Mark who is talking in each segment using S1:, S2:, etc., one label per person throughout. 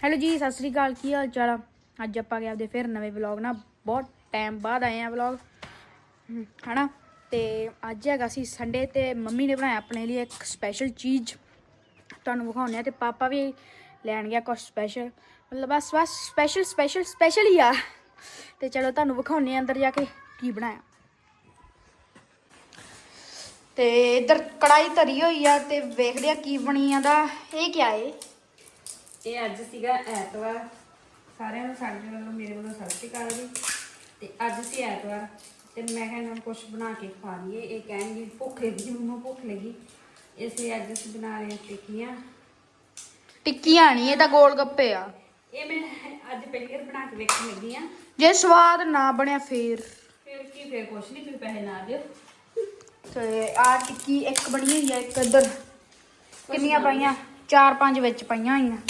S1: Hello ਜੀ, ਸਤਿ ਸ੍ਰੀ ਅਕਾਲ। ਕੀ ਹਾਲ ਚਾਲ ਆ? ਅੱਜ ਆਪਾਂ ਗਏ ਆਪਦੇ ਫਿਰ ਨਵੇਂ ਵਲੌਗ ਨਾਲ ਬਹੁਤ ਟਾਈਮ ਬਾਅਦ ਆਏ ਆ ਵਲੌਗ ਹਨਾ। ਤੇ ਅੱਜ ਹੈਗਾ ਸੀ ਸੰਡੇ ਤੇ ਮੰਮੀ ਨੇ ਬਣਾਇਆ ਆਪਣੇ ਲਈ ਇੱਕ ਸਪੈਸ਼ਲ ਚੀਜ਼, ਤੁਹਾਨੂੰ ਵਿਖਾਉਂਦੇ ਆ। ਤੇ ਪਾਪਾ ਵੀ ਲੈਣ ਗਿਆ ਕੁਛ ਸਪੈਸ਼ਲ, ਮਤਲਬ ਬਸ ਸਪੈਸ਼ਲ ਹੀ ਆ। ਤੇ ਚਲੋ ਤੁਹਾਨੂੰ ਵਿਖਾਉਂਦੇ ਆ ਅੰਦਰ ਜਾ ਕੇ ਕੀ ਬਣਾਇਆ। ਤੇ ਇੱਧਰ ਕੜਾਈ ਧਰੀ ਹੋਈ ਆ ਤੇ ਵੇਖਦੇ ਆ ਕੀ ਬਣੀ ਜਾਂਦਾ। ਇਹ ਕੀ ਏ?
S2: ਇਹ ਅੱਜ ਸੀਗਾ ਐਤਵਾਰ। ਸਾਰਿਆਂ ਨੂੰ ਸਾਡੇ ਵੱਲੋਂ ਮੇਰੇ ਵੱਲੋਂ ਸਤਿ ਸ਼੍ਰੀ ਅਕਾਲ ਜੀ। ਤੇ ਅੱਜ ਸੀ ਐਤਵਾਰ ਤੇ ਮੈਂ ਕਿਹਾ ਇਹਨਾਂ ਨੂੰ ਕੁਛ ਬਣਾ ਕੇ ਖਵਾ ਲਈਏ। ਇਹ ਕਹਿਣਗੇ ਭੁੱਖ ਲੱਗੀ, ਮੈਨੂੰ ਭੁੱਖ ਲੱਗੀ, ਇਸ ਲਈ ਅੱਜ ਅਸੀਂ ਬਣਾ ਰਹੇ ਹਾਂ
S1: ਟਿੱਕੀਆਂ ਨਹੀਂ, ਇਹ ਤਾਂ ਗੋਲ ਗੱਪੇ ਆ।
S2: ਇਹ ਮੈਂ ਅੱਜ ਪਹਿਲੀ ਵਾਰ ਬਣਾ ਕੇ ਵੇਖਣ ਲੱਗੀ ਆ।
S1: ਜੇ ਸਵਾਦ ਨਾ ਬਣਿਆ ਫੇਰ
S2: ਕੁਛ ਨਹੀਂ, ਤੁਸੀਂ ਪੈਸੇ ਨਾ ਦਿਓ।
S1: ਤੇ ਆ ਟਿੱਕੀ ਇੱਕ ਬਣੀ ਹੋਈ ਆ, ਇੱਕ ਇੱਧਰ ਕਿੰਨੀਆਂ ਪਾਈਆਂ? 4-5 ਵਿੱਚ ਪਾਈਆਂ ਹੋਈਆਂ।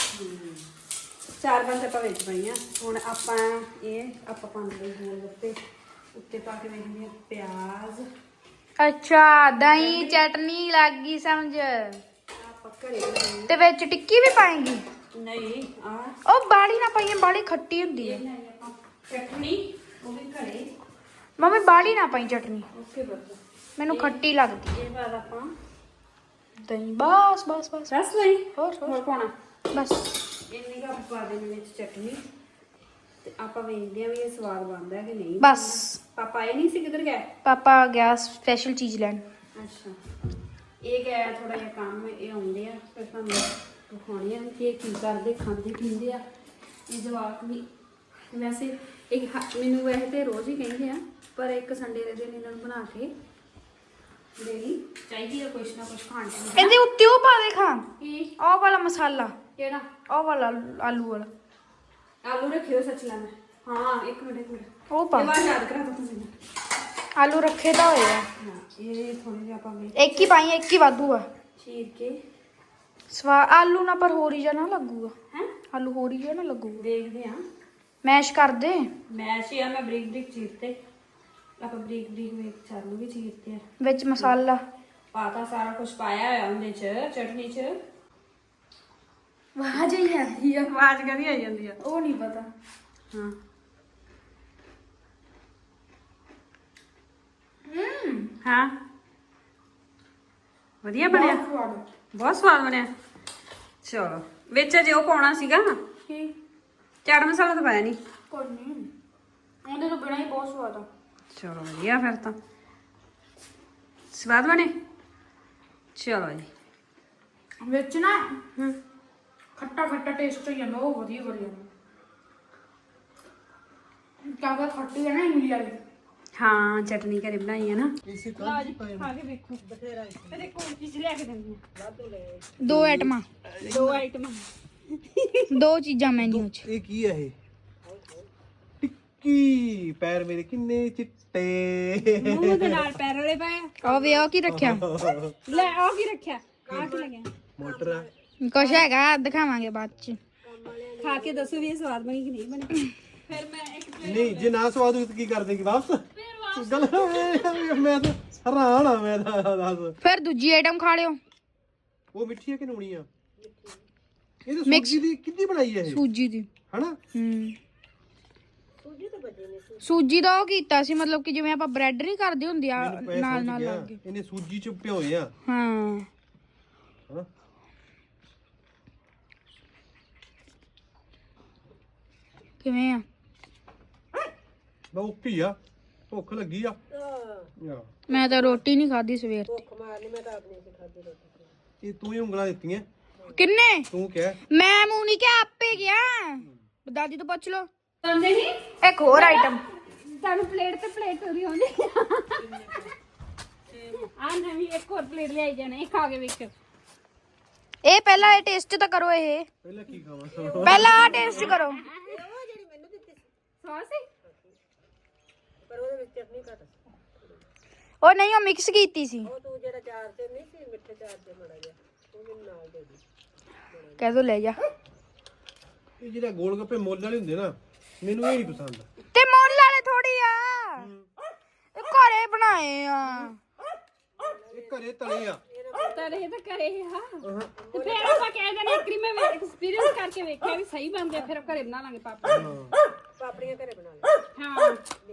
S2: 4-5 ਆਪਾਂ ਵਿੱਚ ਪਾਈਆਂ। ਹੁਣ ਆਪਾਂ ਪਾਉਂਦੇ ਗੋਲ ਗੱਪੇ ਉੱਤੇ ਪਾ ਕੇ ਵੇਖਦੇ ਆ ਪਿਆਜ਼।
S1: ਅੱਛਾ, ਦਹੀਂ ਚਟਨੀ ਲੱਗ ਗਈ ਸਮਝ।
S2: ਆਪਾਂ ਘਰੇ
S1: ਤੇ ਵਿੱਚ ਟਿੱਕੀ ਵੀ ਪਾਏਂਗੀ?
S2: ਨਹੀਂ,
S1: ਉਹ ਬਾੜੀ ਨਾ ਪਾਈਏ, ਬਾੜੀ ਖੱਟੀ ਹੁੰਦੀ ਹੈ।
S2: ਚਟਨੀ ਉਹ ਵੀ ਘਰੇ।
S1: ਮੰਮੀ ਬਾੜੀ ਨਾ ਪਾਈ ਚਟਨੀ,
S2: ਓਕੇ ਬਸ।
S1: ਮੈਨੂੰ ਖੱਟੀ ਲੱਗਦੀ।
S2: ਇਹ ਬਾਅਦ ਆਪਾਂ
S1: ਦਹੀਂ ਬਸ
S2: ਰਸ ਲਈ
S1: ਹੋਰ
S2: ਪਾਉਣਾ
S1: ਬਸ।
S2: ਇੰਨੀ ਕੁ ਪਾ ਦੇਣੀ ਵਿੱਚ ਚਟਨੀ ਤੇ ਆਪਾਂ ਵੇਖਦੇ ਆ ਵੀ ਇਹ ਸਵਾਦ ਬਣਦਾ ਕਿ ਨਹੀਂ।
S1: ਬਸ
S2: ਪਾਪਾ ਇਹ ਨਹੀਂ ਸੀ, ਕਿੱਧਰ ਗਏ?
S1: ਪਾਪਾ ਗਿਆ ਸਪੈਸ਼ਲ ਚੀਜ਼ ਲੈਣ।
S2: ਅੱਛਾ, ਇਹ ਗਿਆ ਥੋੜਾ ਜਿਹਾ ਕੰਮ, ਇਹ ਆਉਂਦੇ ਆ ਫਿਰ ਤੁਹਾਨੂੰ ਦਿਖਾਉਣੀ ਆ ਕਿ ਇਹ ਕੀ ਕਰਦੇ, ਖਾਂਦੇ ਪੀਂਦੇ ਆ ਇਹ ਜਵਾਕ ਵੀ। ਵੈਸੇ ਮੈਨੂੰ ਵੈਸੇ ਤੇ ਰੋਜ਼ ਹੀ ਕਹਿੰਦੇ ਆ, ਪਰ ਇੱਕ ਸੰਡੇ ਦੇ ਦਿਨ ਇਹਨਾਂ ਨੂੰ ਬਣਾ ਕੇ ਦੇਣੀ ਚਾਹੀਦੀ ਆ ਕੁਛ ਨਾ ਕੁਛ ਖਾਣ ਨੂੰ।
S1: ਇਹਦੇ ਉੱਤੇ ਉਹ ਪਾ ਦੇ ਖਾਂ,
S2: ਕੀ
S1: ਉਹ ਵਾਲਾ ਮਸਾਲਾ,
S2: ਕਿਹੜਾ?
S1: ਉਹ ਵਾਲਾ ਆਲੂ ਵਾਲਾ।
S2: ਆਲੂ ਰੱਖਿਓ ਸੱਚ ਲੈਣਾ। ਹਾਂ, ਇੱਕ ਮਿੰਟ
S1: ਉਹ ਪਾ।
S2: ਇਹ ਬਾਅਦ ਯਾਦ ਕਰਾ ਦੋ ਤੁਸੀਂ।
S1: ਆਲੂ ਰੱਖੇ ਤਾਂ ਹੋਏ ਆ।
S2: ਹਾਂ, ਇਹ ਥੋੜੇ ਜਿਹਾ ਆਪਾਂ
S1: ਇੱਕ ਹੀ ਪਾਈ, ਇੱਕ ਹੀ ਵਾਧੂ ਆ।
S2: ਚੀਰ ਕੇ
S1: ਸਵਾਦ ਆਲੂ ਨਾ, ਪਰ ਹੋਰ ਹੀ ਜਾ ਨਾ ਲੱਗੂਗਾ।
S2: ਹੈ,
S1: ਆਲੂ ਹੋਰ ਹੀ ਜਾ ਨਾ ਲੱਗੂਗਾ।
S2: ਦੇਖਦੇ ਆ।
S1: ਮੈਸ਼ ਕਰ ਦੇ।
S2: ਮੈਸ਼ ਹੀ ਆ, ਮੈਂ ਬਰੀਕ ਚੀਰਤੇ। ਆਪਾਂ ਬਰੀਕ ਵੇਖ ਚਾਲੂ ਵੀ ਚੀਰਤੇ ਆ।
S1: ਵਿੱਚ ਮਸਾਲਾ
S2: ਪਾਤਾ, ਸਾਰਾ ਕੁਝ ਪਾਇਆ ਹੋਇਆ ਉਹਦੇ ਚ, ਚਟਨੀ ਚ।
S1: ਆਵਾਜ਼ ਹੀ ਆਉਂਦੀ ਆ।
S2: ਆਵਾਜ਼ ਕਦੀ ਆ ਜਾਂਦੀ ਆ?
S1: ਉਹ ਨਹੀਂ ਪਤਾ।
S2: ਹਾਂ। ਹਾਂ, ਵਧੀਆ ਬਣਿਆ, ਬਹੁਤ ਸਵਾਦ ਬਣਿਆ। ਚਲੋ, ਵਿੱਚ ਅਜੇ ਉਹ ਪਾਉਣਾ ਸੀਗਾ,
S1: ਕੀ?
S2: ਚਾਟ ਮਸਾਲਾ ਤਾਂ ਪਾਇਆ ਨਹੀਂ।
S1: ਕੋਈ ਨਹੀਂ, ਉਹਦੇ ਤੋਂ ਬਿਨਾਂ ਹੀ ਬਹੁਤ ਸਵਾਦ ਆ।
S2: ਚਲੋ ਵਧੀਆ, ਫਿਰ ਤਾਂ ਸਵਾਦ ਬਣੇ। ਚਲੋ ਜੀ,
S1: ਵਿੱਚ ਨਾ ਖੱਟਾ ਟੇਸਟ ਹੋ ਜਾਂਦਾ, ਉਹ ਵਧੀਆ ਬਣ ਜਾਂਦਾ। ਕਾਗਾ ਖੱਟੀ ਹੈ ਨਾ ਇਮਲੀ ਵਾਲੀ।
S2: ਹਾਂ, ਚਟਨੀ ਘਰੇ ਬਣਾਈ ਹੈ ਨਾ।
S1: ਖਾ ਕੇ ਵੇਖੋ।
S2: ਬਥੇਰਾ ਫਿਰ ਇੱਕ ਹੋਰ ਚੀਜ਼ ਲਿਆ ਕੇ ਦਿੰਦੀ ਆ।
S1: ਦੋ ਆਈਟਮਾਂ ਦੋ ਚੀਜ਼ਾਂ ਮੈਨੂ ਚ।
S3: ਇਹ ਕੀ ਹੈ? ਇਹ ਟਿੱਕੀ। ਪੈਰ ਮੇਰੇ ਕਿੰਨੇ ਚਿੱਟੇ।
S2: ਮੂੰਹ ਦੇ ਨਾਲ ਪੈਰ ਵਾਲੇ ਪਾਏ।
S1: ਉਹ ਵੇ ਉਹ ਕੀ ਰੱਖਿਆ?
S2: ਲੈ ਉਹ ਕੀ ਰੱਖਿਆ? ਆ ਕੀ ਲੱਗਿਆ?
S3: ਮੋਟਰ ਆ।
S1: ਕੁਛ ਹੈਗਾ, ਦਿਖਾਵਾਂਗੇ ਬਾਅਦ ਚ।
S2: ਖਾ ਕੇ ਦੱਸੋ ਵੀ ਇਹ ਸਵਾਦ ਬਣੀ ਕਿ ਨਹੀਂ ਬਣੀ। ਫਿਰ ਮੈਂ ਇੱਕ
S3: ਨਹੀਂ, ਜੇ ਨਾ ਸਵਾਦ ਹੋਈ ਤਾਂ ਕੀ ਕਰ ਦੇਂਗੇ ਵਾਪਸ? ਗੱਲ ਮੈਂ ਤਾਂ ਹੈਰਾਨ ਆ। ਮੈਂ ਤਾਂ ਦੱਸ,
S1: ਫਿਰ ਦੂਜੀ ਆਈਟਮ ਖਾ ਲਿਓ।
S3: ਉਹ ਮਿੱਠੀ ਹੈ ਕਿ ਨੂਣੀ ਆ? ਇਹ ਤਾਂ ਸੂਜੀ ਦੀ ਕਿੱਦੀ ਬਣਾਈ ਹੈ ਇਹ?
S1: ਸੂਜੀ ਦੀ।
S3: ਹਨਾ?
S1: ਸੂਜੀ ਦਾ ਉਹ ਕੀਤਾ ਸੀ, ਮਤਲਬ ਕਿ ਜਿਵੇਂ ਆਪਾਂ ਬ੍ਰੈਡ ਨਹੀਂ ਕਰਦੇ ਹੁੰਦੇ ਆ,
S3: ਮੈਨੂੰ ਪੈ
S1: ਨਾਲ
S3: ਸਮਝ ਗਿਆ।
S1: ਲੱਗ ਗਏ।
S3: ਇਹਨੇ ਸੂਜੀ ਚ ਭਿਓਏ ਆ।
S1: ਹਾਂ,
S3: ਹਾਂ,
S1: ਕਿਵੇਂ ਆ?
S3: ਬਹੁਤ ਆ, ਭੁੱਖ ਲੱਗੀ ਆ।
S1: ਮੈਂ ਤਾਂ ਰੋਟੀ ਨਹੀਂ ਖਾਧੀ ਸਵੇਰ ਦੀ।
S3: ਇਹ ਤੂੰ ਹੀ ਉਂਗਲਾਂ ਦਿੱਤੀਆਂ।
S1: ਕਿੰਨੇ?
S3: ਤੂੰ ਕਿਹਾ।
S1: ਮੈਂ ਮੂੰਹ ਨਹੀਂ ਕਿਹਾ, ਆਪੇ ਗਿਆ। ਦਾਦੀ ਤੋਂ ਪੁੱਛ ਲਓ।
S2: ਆਉਂਦੇ ਨਹੀਂ
S1: ਇੱਕ ਹੋਰ ਆਈਟਮ।
S2: ਤੁਹਾਨੂੰ ਪਲੇਟ ਤੇ ਪਲੇਟ ਹੋ ਰਹੀ ਹੁੰਦੀ ਆ। ਨਵੀਂ ਇੱਕ ਹੋਰ ਪਲੇਟ ਲਿਆਈ ਜਾਣਾ, ਇਹ ਖਾ ਕੇ ਵੇਖੋ।
S1: ਇਹ ਪਹਿਲਾਂ ਇਹ ਟੇਸਟ ਤਾਂ ਕਰੋ। ਇਹ
S3: ਪਹਿਲਾਂ ਕੀ ਖਾਵਾਂ?
S1: ਪਹਿਲਾਂ ਆ ਟੇਸਟ ਕਰੋ।
S2: ਸੌਸ ਹੈ ਪਰ ਉਹਦੇ ਵਿੱਚ ਚਟਨੀ ਘੱਟ।
S1: ਉਹ ਨਹੀਂ, ਉਹ ਮਿਕਸ ਕੀਤੀ ਸੀ।
S2: ਉਹ ਤੂੰ ਜਿਹੜਾ ਚਾਰ ਤੇ ਨਹੀਂ ਸੀ, ਮਿੱਠੇ ਚਾਰ ਤੇ ਮੜਾ ਗਿਆ, ਉਹ ਮੈਨੂੰ ਨਾਲ ਦੇ ਦੇ।
S1: ਕਹਿ ਦੋ ਲੈ ਜਾ।
S3: ਇਹ ਜਿਹੜਾ ਗੋਲ ਗੱਪੇ ਮੁੱਲ ਵਾਲੇ ਹੁੰਦੇ ਨਾ, ਮੈਨੂੰ ਇਹ ਨਹੀਂ ਪਸੰਦ।
S1: ਤੇ ਮੁੱਲ ਵਾਲੇ ਥੋੜੀ ਆ, ਇਹ ਘਰੇ ਬਣਾਏ ਆ।
S3: ਇਹ ਘਰੇ ਤਲੇ ਆ।
S2: ਤਾਂ ਇਹ ਤਾਂ ਕਰੇ ਹੀ ਹਾਂ ਤੇ ਫਿਰ ਆਪਾਂ ਕਹਿ ਦਿੰਦੇ ਇੱਕ ਵਾਰੀ ਮੈਂ ਐਕਸਪੀਰੀਅੰਸ ਕਰਕੇ ਵੇਖਿਆ ਵੀ ਸਹੀ ਬਣਦੇ ਫਿਰ ਘਰੇ ਬਣਾ ਲਾਂਗੇ ਪਾਪੜੀਆਂ ਘਰੇ ਬਣਾ ਲਾਂ ਹਾਂ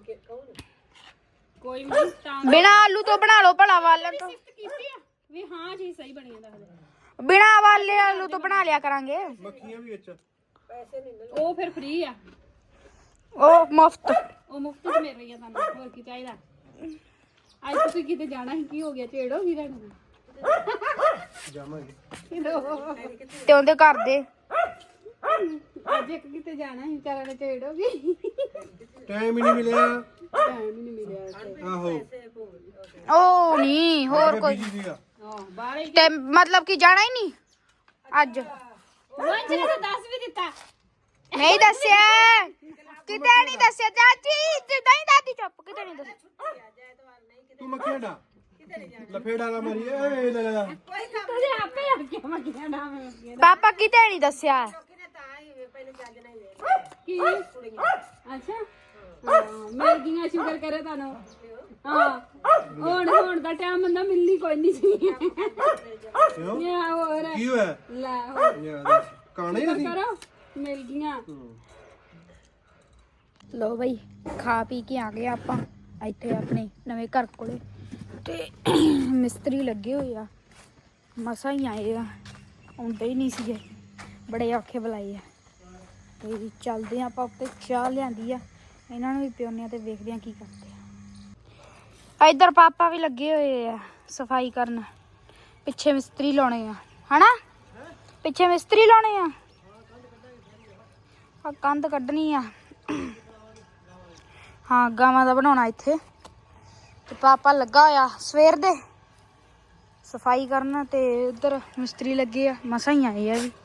S2: ਕੋਈ ਨਹੀਂ ਤਾਂ
S1: ਬਿਨਾ ਆਲੂ ਤੋਂ ਬਣਾ ਲਓ ਭਲਾ ਵਾਲਣ ਤੋਂ
S2: ਸਿਫਤ ਕੀਤੀ ਆ ਵੀ ਹਾਂ ਜੀ ਸਹੀ ਬਣੀ ਜਾਂਦਾ
S1: ਬਿਨਾ ਵਾਲੇ ਆਲੂ ਤੋਂ ਬਣਾ ਲਿਆ ਕਰਾਂਗੇ
S3: ਮੱਖੀਆਂ ਵੀ ਵਿੱਚ
S2: ਉਹ ਫਿਰ ਫ੍ਰੀ ਆ
S1: ਉਹ ਮੁਫਤ
S2: ਉਹ ਮੁਫਤ ਚ ਮਿਲ ਰਹੀ ਆ ਤੁਹਾਨੂੰ ਹੋਰ ਕੀ ਚਾਹੀਦਾ ਅੱਜ ਤੁਸੀਂ ਕਿਤੇ ਜਾਣਾ ਸੀ ਕੀ ਹੋ ਗਿਆ ਢੇੜ ਹੋ ਗਈ ਤੁਹਾਨੂੰ
S3: ਜਾਵਾਂਗੇ
S1: ਤੇ ਉਹਦੇ ਘਰ ਦੇ
S2: ਅੱਜ ਇੱਕ ਕਿਤੇ ਜਾਣਾ ਸੀ ਵਿਚਾਰਾ ਨੇ ਢੇੜ ਹੋ ਗਈ
S3: ਟਾਈਮ ਹੀ ਨਹੀਂ ਮਿਲਿਆ
S2: ਟਾਈਮ ਹੀ ਨਹੀਂ ਮਿਲਿਆ
S3: ਆਹੋ
S1: ਉਹ ਨਹੀਂ ਹੋਰ ਕੋਈ
S3: ਬਿਜੀ ਸੀਗਾ
S2: ਬਾਹਰ ਹੀ
S1: ਤੇ ਮਤਲਬ ਕਿ ਜਾਣਾ ਹੀ ਨਹੀਂ ਅੱਜ
S2: ਵੰਚ ਨੇ ਤਾਂ ਦੱਸ ਵੀ ਦਿੱਤਾ
S1: ਨਹੀਂ ਦੱਸਿਆ ਕਿਤੇ ਨਹੀਂ ਦੱਸਿਆ ਚਾਚੀ ਜਿੱਦਾਂ ਹੀ ਦਾਦੀ ਚੁੱਪ ਕਿਤੇ ਨਹੀਂ ਦੱਸਿਆ
S3: ਤੂੰ ਮੱਖੀਆਂ ਡਾ ਲਫੇੜਾ ਨਾ ਮਾਰੀ ਏ ਲੈ ਲੈ
S2: ਤੁਸੀਂ ਆਪੇ ਹਟ ਕੇ ਮੱਗੀਆਂ ਨਾਮ
S1: ਪਾਪਾ ਕਿਤੇ ਨਹੀਂ ਦੱਸਿਆ
S2: ਕੀ ਅੱਛਾ ਮਿਲ ਗਈਆਂ ਸ਼ੁਕਰ ਕਰੇ ਤੁਹਾਨੂੰ ਹਾਂ ਹੁਣ ਦਾ ਟਾਈਮ ਹੁੰਦਾ ਮਿਲਣੀ ਕੋਈ ਨਹੀਂ ਸੀ
S3: ਕਿਉਂ
S2: ਇਹ ਹੋਰ
S3: ਕੀ ਹੋਇਆ
S2: ਲੈ ਹੋਰ
S3: ਯਾਰ ਕਾਣੇ ਨਹੀਂ
S2: ਕਰੋ ਮਿਲ ਗਈਆਂ
S1: ਲੋ ਬਈ ਖਾ ਪੀ ਕੇ ਆ ਗਏ ਆਪਾਂ ਇੱਥੇ ਆਪਣੇ ਨਵੇਂ ਘਰ ਕੋਲੇ ਤੇ ਮਿਸਤਰੀ ਲੱਗੇ ਹੋਏ ਆ ਮਸਾਂ ਹੀ ਆਏ ਆ ਆਉਂਦੇ ਹੀ ਨਹੀਂ ਸੀਗੇ ਬੜੇ ਔਖੇ ਬੁਲਾਏ ਆ ਤੇ ਚੱਲਦੇ ਆ ਆਪਾਂ ਉੱਤੇ ਚਾਹ ਲਿਆਂਦੀ ਆ ਇਹਨਾਂ ਨੂੰ ਵੀ ਪਿਉਨੇ ਆ ਤੇ ਵੇਖਦੇ ਆ ਕੀ ਕਰਦੇ ਆ ਇੱਧਰ ਪਾਪਾ ਵੀ ਲੱਗੇ ਹੋਏ ਆ ਸਫਾਈ ਕਰਨ ਪਿੱਛੇ ਮਿਸਤਰੀ ਲਾਉਣੇ ਆ ਹਨਾ ਪਿੱਛੇ ਮਿਸਤਰੀ ਲਾਉਣੇ ਆ ਆ ਕੰਧ ਕੱਢਣੀ ਆ ਹਾਂ ਗਾਵਾਂ ਦਾ ਬਣਾਉਣਾ ਇੱਥੇ ਤੇ ਪਾਪਾ ਲੱਗਾ ਹੋਇਆ ਸਵੇਰ ਦੇ ਸਫਾਈ ਕਰਨ ਤੇ ਉਧਰ ਮਿਸਤਰੀ ਲੱਗੇ ਆ ਮਸਾਂ ਹੀ ਆਏ ਆ ਵੀ